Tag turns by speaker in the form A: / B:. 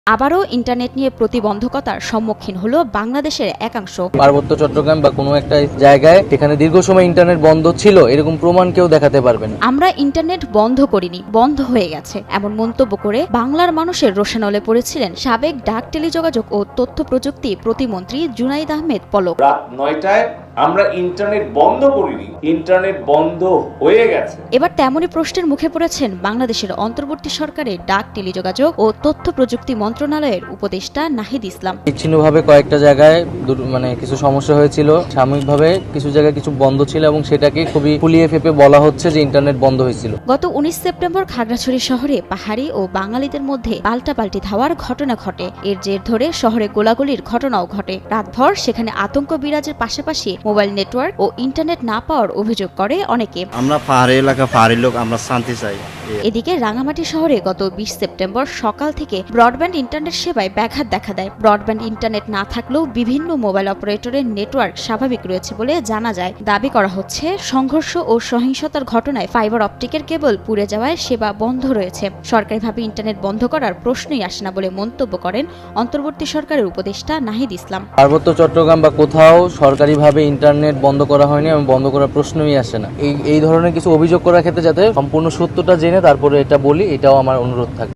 A: আবারও ইন্টারনেট নিয়ে প্রতিবন্ধকতার সম্মুখীন হলো বাংলাদেশের একাংশ।
B: পার্বত্য চট্টগ্রাম বা কোনো একটা জায়গায় যেখানে দীর্ঘ সময় ইন্টারনেট বন্ধ ছিল এরকম প্রমাণ কেউ দেখাতে পারবে না।
A: আমরা ইন্টারনেট বন্ধ করিনি, বন্ধ হয়ে গেছে এমন মন্তব্য করে বাংলার মানুষের রোষানলে পড়েছিলেন সাবেক ডাক টেলিযোগাযোগ ও তথ্য প্রযুক্তি প্রতিমন্ত্রী জুনাইদ আহমেদ পলক।
C: রাত ৯টায় আমরা ইন্টারনেট বন্ধ করিনি, ইন্টারনেট বন্ধ হয়ে গেছে।
A: এবার তেমনই প্রশ্নের মুখে পড়েছেন বাংলাদেশের অন্তর্বর্তী সরকারের ডাক টেলিযোগাযোগ ও তথ্য প্রযুক্তি মন্ত্রণালয়ের উপদেষ্টা নাহিদ ইসলাম।
B: বিচ্ছিন্নভাবে কয়েকটা জায়গায় কিছু সমস্যা হয়েছিল, সাময়িকভাবে কিছু জায়গায় কিছু বন্ধ ছিল এবং সেটাকে খুবই ফুলিয়ে ফেপে বলা হচ্ছে যে ইন্টারনেট বন্ধ হয়েছিল।
A: গত ১৯ সেপ্টেম্বর খাগড়াছড়ি শহরে পাহাড়ি ও বাঙালিদের মধ্যে পাল্টাপাল্টি ধাওয়ার ঘটনা ঘটে। এর জের ধরে শহরে গোলাগুলির ঘটনাও ঘটে। রাতভর সেখানে আতঙ্ক বিরাজের পাশাপাশি মোবাইল নেটওয়ার্ক ও ইন্টারনেট না পাওয়ার অভিযোগ করে অনেকে।
D: আমরা পাহাড়ি এলাকা, পাহাড়ি লোক, আমরা শান্তি চাই।
A: এদিকে রাঙামাটি শহরে গত ২০ সেপ্টেম্বর সকাল থেকে ব্রডব্যান্ড ইন্টারনেট সেবায় ব্যাঘাত দেখা দেয়। ব্রডব্যান্ড ইন্টারনেট না থাকলেও বিভিন্ন মোবাইল অপারেটরের নেটওয়ার্ক স্বাভাবিক রয়েছে বলে জানা যায়। দাবি করা হচ্ছে সংঘর্ষ ও সহিংসতার ঘটনায় ফাইবার অপটিকের কেবল পুড়ে যাওয়ায় সেবা বন্ধ রয়েছে। সরকারিভাবে ইন্টারনেট বন্ধ করার প্রশ্নই আসে না বলে মন্তব্য করেন অন্তর্বর্তী সরকারের উপদেষ্টা নাহিদ ইসলাম।
B: পার্বত্য চট্টগ্রাম বা কোথাও সরকারিভাবে ইন্টারনেট বন্ধ করা হয়নি এবং বন্ধ করার প্রশ্নই আসে না। এই ধরনের কিছু অভিযোগ করার ক্ষেত্রে যাতে সম্পূর্ণ সত্যটা জেনে তারপরে এটা বলি, এটাও আমার অনুরোধ থাকে।